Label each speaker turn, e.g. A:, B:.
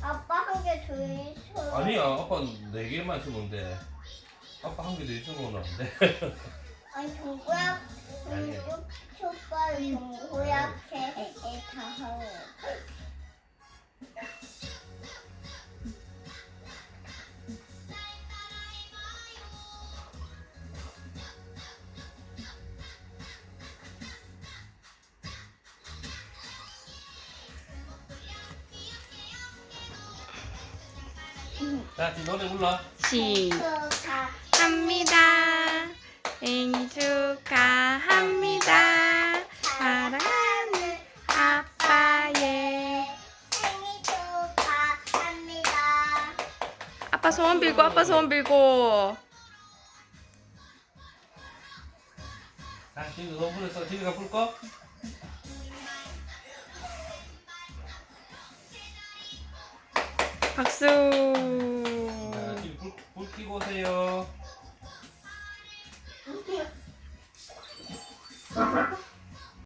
A: 아빠 한 개 더 있어.
B: 아니야, 아빠 4개만 있으면 돼. 아빠 한 개 더 있으면 안 돼.
A: 아니 동그랗
B: 아니야.
A: 족발 동그랗게 다 하고.
B: 자, 지금 노래 불러.
C: 축하합니다. 생일 축하합니다. 사랑하는 아빠의
A: 생일 축하합니다.
C: 아빠 소원 빌고 아빠 소원 빌고.
B: 자, 지금 너무 불렀어. 지금가 불 거?
C: 박수.
B: 자, 지금 불 켜고 오세요.